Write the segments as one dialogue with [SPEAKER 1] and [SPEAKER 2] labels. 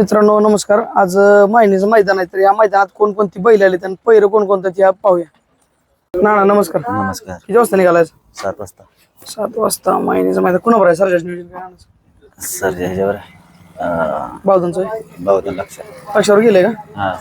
[SPEAKER 1] मित्रांनो नमस्कार. आज मायनीचं मैदान आहे तर या मैदानात कोणकोणती बैल आली आणि पहिरं कोणकोणतं ते पाहूया. ना नमस्कार.
[SPEAKER 2] नमस्कार.
[SPEAKER 1] किती वाजता निघालाय?
[SPEAKER 2] 7 वाजता.
[SPEAKER 1] 7 वाजता. मायनीचं मैदान कुणावर आहे? सरजाच नियोजन काय आणायचं?
[SPEAKER 2] सर ह्याच्यावर
[SPEAKER 1] बावधनचं
[SPEAKER 2] बहुधा लक्ष.
[SPEAKER 1] पक्षावर गेले का?
[SPEAKER 2] हा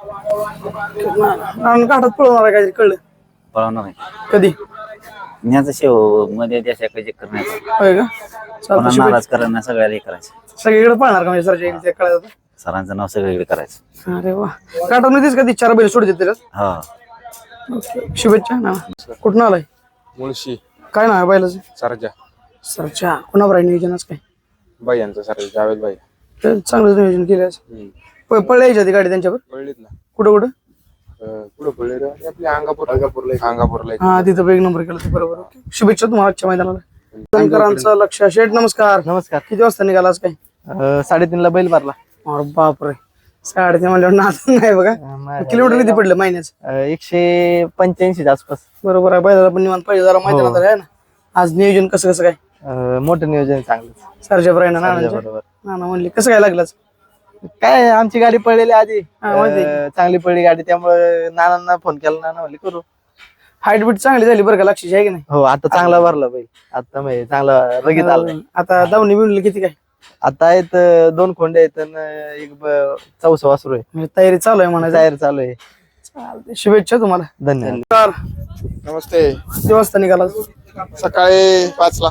[SPEAKER 1] ना घाटात पळवणार आहे काहीतरी कळलं
[SPEAKER 2] पळवणार आहे.
[SPEAKER 1] कधी?
[SPEAKER 2] न्याचं शेव मध्ये देशाकडे करण्याचं
[SPEAKER 1] होय का?
[SPEAKER 2] कोणा
[SPEAKER 1] चालतं.
[SPEAKER 2] नाराज करणं सगळ्याला हे करायचं.
[SPEAKER 1] सगळीकडे पळणार का म्हणजे सरजा ते कळलं?
[SPEAKER 2] सरांचं नाव सगळीकडे करायचं.
[SPEAKER 1] अरे वा. घाटामध्येच कधी 4 बैल सोडते त्याच्यात?
[SPEAKER 2] हा
[SPEAKER 1] शुभेच्छा ना. कुठून आलाय?
[SPEAKER 3] मुळशी
[SPEAKER 1] काय नाव आहे बैलाचं?
[SPEAKER 3] सरजा
[SPEAKER 1] सरच्या. कुणावर आहे नियोजनच काय?
[SPEAKER 3] बाई यांचं सर जावेद बाई
[SPEAKER 1] तर चांगलं नियोजन केलं. पळायची आधी गाडी त्यांच्यावर?
[SPEAKER 3] पडलीत ना.
[SPEAKER 1] कुठं कुठं?
[SPEAKER 3] पुढे पडले आपल्या अंगापूरला
[SPEAKER 1] हा तिथं एक नंबर केला. बरोबर. ओके. शुभेच्छा तुम्हाला आजच्या मैदानाला. शंकरांचं लक्ष. शेठ नमस्कार.
[SPEAKER 4] नमस्कार.
[SPEAKER 1] किती वाजता निघाला आज काय?
[SPEAKER 4] 3:30 ला बैल भरला.
[SPEAKER 1] अरे बापरे. 3:30 म्हणल्यावर नाच नाही बघा. किलोमीटर किती पडलं महिन्याचं?
[SPEAKER 4] 185 आसपास.
[SPEAKER 1] बरोबर आहे. बैलाला पण निवांत पाहिजे जरा मैदानात आहे ना. आज नियोजन कसं कसं काय?
[SPEAKER 4] मोठं नियोजन चांगलं.
[SPEAKER 1] सरच्या राहिना ना
[SPEAKER 4] बरोबर.
[SPEAKER 1] म्हणले कसं काय लागलं?
[SPEAKER 4] काय आमची गाडी पडलेली आधी.
[SPEAKER 1] माहिती
[SPEAKER 4] चांगली पडली गाडी त्यामुळे नानांना फोन केला. नाना म्हणले करू.
[SPEAKER 1] हाईट बीट चांगली झाली बरं का? लक्षाची आहे की नाही?
[SPEAKER 4] हो आता चांगला भरला बैल. आता म्हणजे चांगला रगीत आला.
[SPEAKER 1] आता दावणी बिवणी किती काय?
[SPEAKER 4] आता आहेत 2 खोंडे आहेत आणि एक चौसा वासरू आहे.
[SPEAKER 1] म्हणजे तयारी चालू आहे म्हणायचं.
[SPEAKER 4] तयार चालू आहे.
[SPEAKER 1] चालतंय. शुभेच्छा तुम्हाला.
[SPEAKER 4] धन्यवाद.
[SPEAKER 3] नमस्ते.
[SPEAKER 1] किती वाजता निघाला?
[SPEAKER 3] सकाळी 5ला.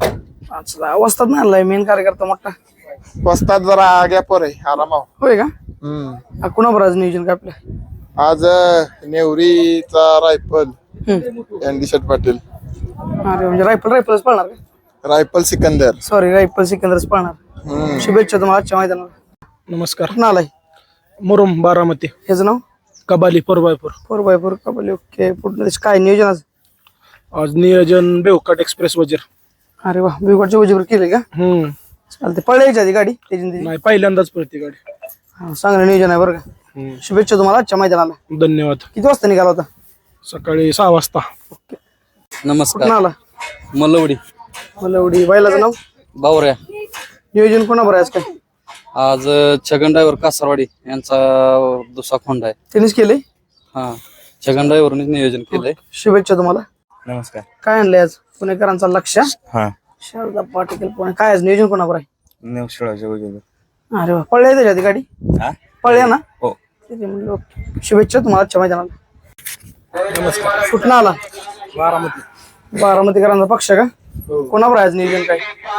[SPEAKER 1] 5 वाजता नाही आलाय. मेन कार्यकर्ता मोठा
[SPEAKER 3] वाजतात जरा गॅपवर आहे आरामाव.
[SPEAKER 1] होय का? कुणावर आज नियोजन काय आपल्या?
[SPEAKER 3] आज नेवरीचा रायफल एनडी शेट पाटील,
[SPEAKER 1] अरे म्हणजे रायफलच पळणार का?
[SPEAKER 3] रायफल सिकंदर.
[SPEAKER 1] सॉरी रायफल सिकंदरच पळणार. शुभेच्छा तुम्हाला आजच्या मैदानाला.
[SPEAKER 5] नमस्कार.
[SPEAKER 1] कुठं आलाय?
[SPEAKER 5] मुरुम बारामती.
[SPEAKER 1] ह्याचं नाव?
[SPEAKER 5] कबाली 4x4.
[SPEAKER 1] 4x4 कबड्डी. ओके. पुढलं काय नियोजन आज?
[SPEAKER 5] आज नियोजन बेवकाट एक्सप्रेस वजीर.
[SPEAKER 1] अरे वा. बिगडच्या वजीवर केले का? चालते. पळायची आधी गाडी त्याची?
[SPEAKER 5] नाही पहिल्यांदाच पळते गाडी.
[SPEAKER 1] हा चांगलं नियोजन आहे बरं का. शुभेच्छा तुम्हाला आजच्या मैदानाला.
[SPEAKER 5] धन्यवाद.
[SPEAKER 1] किती वाजता निघाला होता?
[SPEAKER 5] सकाळी 6 वाजता.
[SPEAKER 1] कुठून
[SPEAKER 6] नमस्कार.
[SPEAKER 1] आला?
[SPEAKER 6] मलवडी
[SPEAKER 1] मलवडी. बैलाचं नाव?
[SPEAKER 6] बावऱ्या.
[SPEAKER 1] नियोजन कोणावर आहे आज काय?
[SPEAKER 6] आज छगन ड्रायव्हर कासारवाडी यांचा दुसरा खोंड आहे.
[SPEAKER 1] त्यांनीच केले?
[SPEAKER 6] हा छगन ड्रायव्हरने नियोजन केलंय.
[SPEAKER 1] शुभेच्छा तुम्हाला.
[SPEAKER 2] नमस्कार.
[SPEAKER 1] काय आणलंय आज? पुणेकरांचा लक्ष.
[SPEAKER 2] हा
[SPEAKER 1] शारदा पाटील पुणे. काय आज नियोजन कोणावर आहे?
[SPEAKER 2] नेवशिळाच्या वगैरे.
[SPEAKER 1] अरे वा. पळल्या त्याच्या आधी गाडी?
[SPEAKER 2] हा
[SPEAKER 1] पळल्या ना?
[SPEAKER 2] हो.
[SPEAKER 1] ठीक आहे, म्हणलं ओके. शुभेच्छा तुम्हाला आजच्या मैदानाला.
[SPEAKER 5] नमस्कार.
[SPEAKER 1] कुठं आला?
[SPEAKER 5] बारामती.
[SPEAKER 1] बारामतीकरांचा पक्ष का? कोणावर आहे आज नियोजन काय?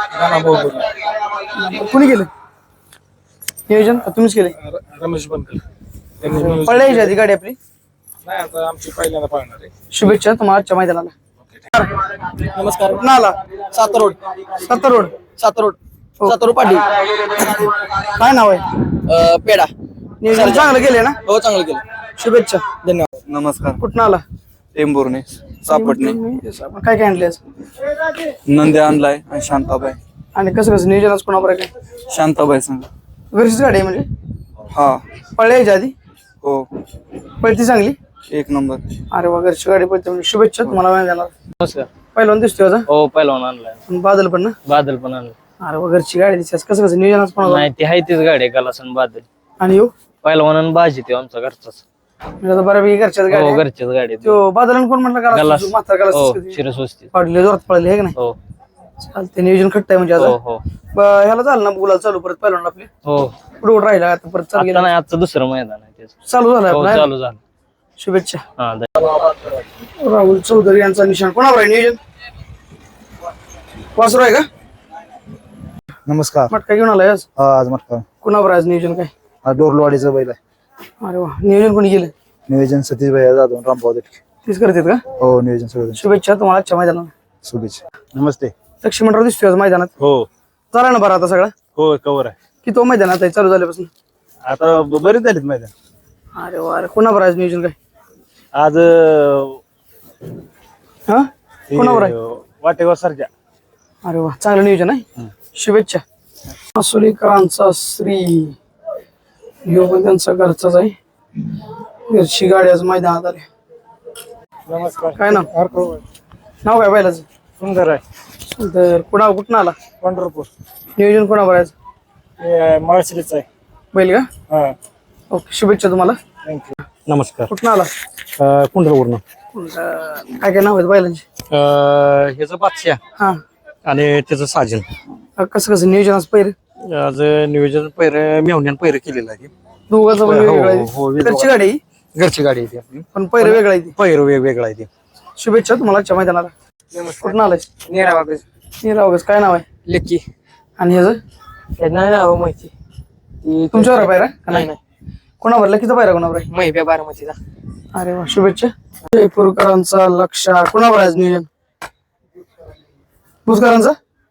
[SPEAKER 1] कुणी केलं नियोजन? का तुम्हीच केले?
[SPEAKER 5] रमेश बनकर त्यांनी
[SPEAKER 1] पळल्याची आधी गाडी आपली.
[SPEAKER 5] नाही आता आमची पहिल्यांदा पाळणार आहे.
[SPEAKER 1] शुभेच्छा तुम्हाला आजच्या मैदानाला.
[SPEAKER 4] नमस्कार.
[SPEAKER 1] कुठं आला?
[SPEAKER 4] सातारोड.
[SPEAKER 1] सत्तरोड.
[SPEAKER 4] सातारोड. सातारोड पाटील.
[SPEAKER 1] काय नाव आहे?
[SPEAKER 4] पेडा.
[SPEAKER 1] नियोजन चांगलं केलंय ना?
[SPEAKER 4] हो चांगलं केलं.
[SPEAKER 1] शुभेच्छा.
[SPEAKER 4] धन्यवाद.
[SPEAKER 2] नमस्कार.
[SPEAKER 1] कुठं आला?
[SPEAKER 2] टेंभुर्णी सापटणे.
[SPEAKER 1] काय काय आणले आज?
[SPEAKER 2] नंद्या आणलाय आणि शांताबाई.
[SPEAKER 1] आणि कसं कसं नियोजन आज कोणावर आहे काय?
[SPEAKER 2] शांताबाई सांग.
[SPEAKER 1] घरचीच गाडी आहे म्हणजे?
[SPEAKER 2] हा
[SPEAKER 1] पळल्याच्या आधी?
[SPEAKER 2] हो
[SPEAKER 1] पळती चांगली?
[SPEAKER 2] 1 नंबर.
[SPEAKER 1] अरे वा. घरची गाडी पळते म्हणजे शुभेच्छा तुम्हाला मैदानाला.
[SPEAKER 4] नमस्कार.
[SPEAKER 1] पहिलवान दिसतोय आज.
[SPEAKER 4] हो पहिलवान आणलाय.
[SPEAKER 1] आणि बादल पण ना?
[SPEAKER 4] बादल पण आणलं.
[SPEAKER 1] अरे वा. घरची गाडी दिसते. कसं कसं नियोजन आज कोणावर?
[SPEAKER 4] नाही ती आहे तीच गाडी आहे गलासन बादल.
[SPEAKER 1] आणि येऊ
[SPEAKER 4] पहिलवान भाजी ते आमचा घरचाच.
[SPEAKER 1] म्हणजे आता बऱ्यापैकी घरच्याच गाडी
[SPEAKER 4] हो
[SPEAKER 1] आहे.
[SPEAKER 4] घरच्याच गाडी आहे.
[SPEAKER 1] तो बादल कोण म्हटलं
[SPEAKER 4] गलास.
[SPEAKER 1] का? म्हातारा
[SPEAKER 4] हो
[SPEAKER 1] गलास
[SPEAKER 4] शिरस्वस्ती.
[SPEAKER 1] पाडले जोरात पळले हे का नाही?
[SPEAKER 4] हो
[SPEAKER 1] चालते. नियोजन खट्ट आहे म्हणजे
[SPEAKER 4] हो
[SPEAKER 1] आता.
[SPEAKER 4] हो
[SPEAKER 1] ह्याला झालं ना गुलाल चालू परत पहिलवान आपले
[SPEAKER 4] हो.
[SPEAKER 1] पुढे कुठं राहिला आता परत चालू
[SPEAKER 4] आता
[SPEAKER 1] गेला.
[SPEAKER 4] नाही आजचं दुसरं मैदान आहे त्याचं.
[SPEAKER 1] चालू झालं
[SPEAKER 4] हो
[SPEAKER 1] आपलं.
[SPEAKER 4] चालू झालं.
[SPEAKER 1] शुभेच्छा.
[SPEAKER 4] हा
[SPEAKER 1] राहुल चौधरी यांचा निशाण कोणावर आहे नियोजन? वासरू आहे का?
[SPEAKER 7] नमस्कार.
[SPEAKER 1] मटका घेऊन आलाय आज?
[SPEAKER 7] आज मटका
[SPEAKER 1] कोणावर आहे आज नियोजन काय?
[SPEAKER 7] डोरलवाडीचा बैल आहे.
[SPEAKER 1] अरे वा. नियोजन कोणी केलं?
[SPEAKER 7] नियोजन सतीश भाई जाधव रामभाऊ देटके.
[SPEAKER 1] तीच करतात का?
[SPEAKER 7] हो नियोजन सगळं.
[SPEAKER 1] शुभेच्छा तुम्हाला आजच्या मैदानाला.
[SPEAKER 7] शुभेच्छा. नमस्ते.
[SPEAKER 1] लक्ष्मणराव दिसतोय आज मैदानात.
[SPEAKER 5] हो
[SPEAKER 1] झाला ना बरं आता सगळा?
[SPEAKER 5] हो कवर आहे.
[SPEAKER 1] की तो मैदानात आहे चालू झाल्यापासून?
[SPEAKER 5] आता बरेच झालेत मैदान.
[SPEAKER 1] अरे वा. अरे कोणावर आहे आज नियोजन काय?
[SPEAKER 5] आज
[SPEAKER 1] हा कोणावर आहे?
[SPEAKER 5] वाटेगाव सरजा.
[SPEAKER 1] अरे वा. चांगलं नियोजन आहे. शुभेच्छा. मासुलीकरांचा श्री ह्यो पण त्यांचा घरचाच आहे. घरची गाडी आज मैदानात आली.
[SPEAKER 5] नमस्कार.
[SPEAKER 1] काय नाव? नाव काय बैलाचं?
[SPEAKER 5] सुंदर आहे.
[SPEAKER 1] तर कुठं आला?
[SPEAKER 5] पंढरपूर.
[SPEAKER 1] नियोजन कोणावर आहे?
[SPEAKER 5] माळशिरीच आहे.
[SPEAKER 1] बैल का
[SPEAKER 5] हा
[SPEAKER 1] ओके शुभेच्छा तुम्हाला.
[SPEAKER 5] नमस्कार.
[SPEAKER 1] कुठं आला?
[SPEAKER 5] कुंडलवरून.
[SPEAKER 1] काय काय नाव आहेत बैलांची?
[SPEAKER 5] ह्याचं बादशाह
[SPEAKER 1] हा
[SPEAKER 5] आणि त्याचं साजन.
[SPEAKER 1] कसं कसं नियोजन आज पहिरे
[SPEAKER 5] आज नियोजन पैर मेवण्यान पैर केलेलं आहे.
[SPEAKER 1] दोघांचं पण
[SPEAKER 5] हो,
[SPEAKER 1] वेगळं आहे.
[SPEAKER 5] हो, वेगळं.
[SPEAKER 1] घरची गाडी आहे,
[SPEAKER 5] घरची गाडी आहे ती आपली.
[SPEAKER 1] पण पहिरे वेगळं आहे ती.
[SPEAKER 5] पैर वेगवेगळा आहे ती.
[SPEAKER 1] शुभेच्छा तुम्हाला आजच्या मैदानाला. कुठं आलाय? नीरावागज. काय नाव आहे?
[SPEAKER 4] लेकी
[SPEAKER 1] आणि ह्याचं
[SPEAKER 4] नाही नाव माहिती.
[SPEAKER 1] तुमच्यावर पायरा का नाही? कोणावर लकीचा पायरा कोणावर आहे?
[SPEAKER 4] महिब्या बारामतीचा.
[SPEAKER 1] अरे वा शुभेच्छा. जयपूरकरांचा लक्ष कोणावर आहे आज नियोजन? भूतकरांचा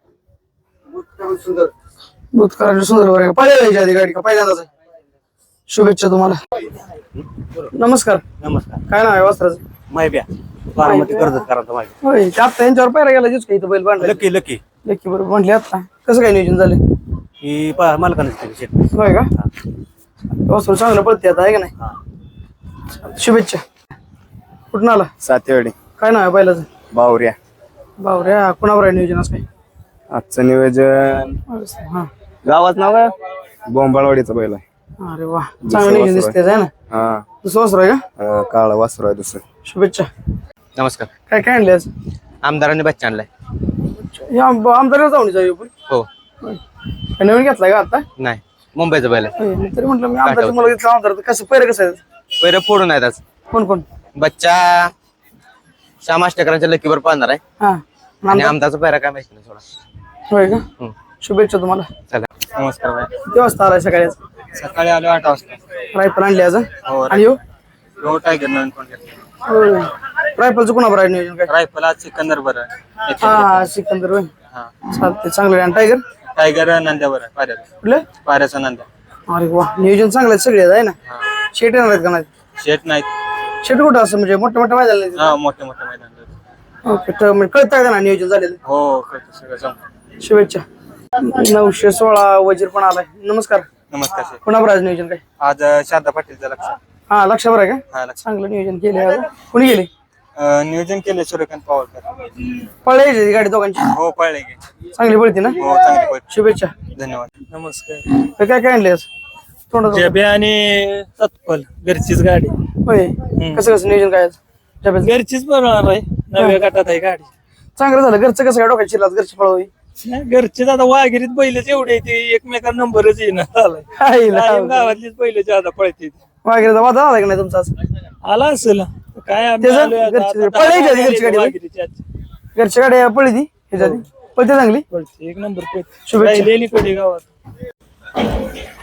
[SPEAKER 1] भूतकरांच्या सुंदरवर आहे. पहिल्या आधी गाडी का पहिल्यांदाच आहे? शुभेच्छा तुम्हाला. नमस्कार.
[SPEAKER 5] नमस्कार.
[SPEAKER 1] काय नाव आहे वस्त्राचं?
[SPEAKER 5] महिब्या बारामती कर्जत करायचं माझ्या.
[SPEAKER 1] होय ते आता यांच्यावर पायरा गेला जिच काही बैल बांधला
[SPEAKER 5] लकी लकी
[SPEAKER 1] लेखी बरोबर म्हटले आता कसं काय नियोजन झालं?
[SPEAKER 5] ही मालकानेच केली शेत.
[SPEAKER 1] होय का वस्त्र चांगलं पडते आता आहे का नाही? शुभेच्छा. कुठून आला?
[SPEAKER 3] सातेवाडी
[SPEAKER 1] काय नाव आहे बैलाचं?
[SPEAKER 3] बावऱ्या.
[SPEAKER 1] बावऱ्या. कुणावर आहे नियोजन आज काय?
[SPEAKER 3] आजचं नियोजन
[SPEAKER 1] हा
[SPEAKER 3] गावात नाव आहे बोंबाळवाडीचा बैल आहे.
[SPEAKER 1] अरे वा चांगलं नियोजन दिसते आहे ना.
[SPEAKER 3] हा
[SPEAKER 1] दुसरं वस्त्र आहे का?
[SPEAKER 3] काळा वासरू आहे दुसरं.
[SPEAKER 1] शुभेच्छा.
[SPEAKER 4] नमस्कार.
[SPEAKER 1] काय काय आणले आज?
[SPEAKER 4] आमदारांनी बच्चा आणलाय.
[SPEAKER 1] या आमदार जाऊन जाऊ आपण.
[SPEAKER 4] हो.
[SPEAKER 1] काय नवीन घेतलाय का आता?
[SPEAKER 4] नाही मुंबईचं बैल आहे.
[SPEAKER 1] होय, मी तरी म्हटलं मी आमदारची मुलं घेतला आमदार तर कसं पहिलं कसं आहे?
[SPEAKER 4] पैर फोडून आहेत आज.
[SPEAKER 1] कोण कोण?
[SPEAKER 4] बच्चा श्याम आष्टेकरांच्या लकीवर पाहणार आहे
[SPEAKER 1] हा
[SPEAKER 4] आणि
[SPEAKER 1] आमदार?
[SPEAKER 4] आमदारचा पैरा काय माहिती नाही थोडा.
[SPEAKER 1] होय का शुभेच्छा तुम्हाला.
[SPEAKER 4] चला.
[SPEAKER 5] नमस्कार भाई.
[SPEAKER 1] किती वाजता आलाय सकाळी?
[SPEAKER 5] सकाळी आलो 8 वाजता.
[SPEAKER 1] रायफल आणली आज
[SPEAKER 5] हो,
[SPEAKER 1] आणि हो
[SPEAKER 5] हो टायगर नवीन फोन घेतला.
[SPEAKER 1] रायफलचं कुणावर आहे नियोजन काय?
[SPEAKER 5] रायफल आज सिकंदर बरं आहे.
[SPEAKER 1] हा सिकंदर होय चालते चांगलं. आणि टायगर
[SPEAKER 5] टायगर नंद्या बरं आहे पाऱ्याचा.
[SPEAKER 1] कुठलं?
[SPEAKER 5] पाऱ्याचा नंद्या.
[SPEAKER 1] अरे वा नियोजन चांगलं आहे सगळे आहे ना. शेट येणार आहेत का नाही?
[SPEAKER 5] शेत नाही.
[SPEAKER 1] शेट कुठं असं म्हणजे मोठ्या मोठ्या मैदान
[SPEAKER 5] हा मोठे मोठे मैदान.
[SPEAKER 1] ओके तर म्हणजे कळतं का ना नियोजन झालेलं?
[SPEAKER 5] हो कळतं सगळं जमतं.
[SPEAKER 1] शुभेच्छा. 916 वजीर पण आलाय. नमस्कार.
[SPEAKER 5] नमस्कार शेठ.
[SPEAKER 1] कुणावर आज नियोजन काय?
[SPEAKER 5] आज शारदा पाटीलचं लक्ष.
[SPEAKER 1] हा लक्षावर आहे का?
[SPEAKER 5] हा लक्ष.
[SPEAKER 1] चांगलं नियोजन केले आज. कोणी गेले?
[SPEAKER 5] नियोजन केले सूर्यकांत पवारकर.
[SPEAKER 1] पळायची गाडी दोघांची?
[SPEAKER 5] हो पळले गे.
[SPEAKER 1] चांगली पळते ना.
[SPEAKER 5] हो चांगली पळते.
[SPEAKER 1] शुभेच्छा.
[SPEAKER 5] धन्यवाद.
[SPEAKER 8] नमस्कार.
[SPEAKER 1] तर काय काय आणले आज तोंडात?
[SPEAKER 8] जबे आणि सत्पल घरचीच गाडी.
[SPEAKER 1] होय कसं कसं नियोजन काय आज? डब्याचं?
[SPEAKER 8] घरचीच बनवणार आहे. नव्या गटात आहे गाडी.
[SPEAKER 1] चांगलं झालं. घरचं कसं काय डोक्यात शिरला घरची पळवी?
[SPEAKER 8] नाही, घरचीच आता वाघिरीत बैलच एवढे ते एकमेकांना नंबरच येणार आलाय. कायम गावातलीच बैल ज्यादा पळते.
[SPEAKER 1] वाघेरीचा वादा आला का नाही तुमचा आज?
[SPEAKER 8] आला असेल काय आम्ही
[SPEAKER 1] त्याचं
[SPEAKER 8] आलोय आता.
[SPEAKER 1] घरची-
[SPEAKER 8] आता
[SPEAKER 1] पळायची आधी घरची गाडी.
[SPEAKER 8] वाघिरीची आजची.
[SPEAKER 1] घरची गाडी पळली ती ह्याच्या आधी पळते चांगली.
[SPEAKER 8] पळते एक नंबर पळते.
[SPEAKER 1] शुभेच्छा.
[SPEAKER 8] राहिलेली कधी गावात.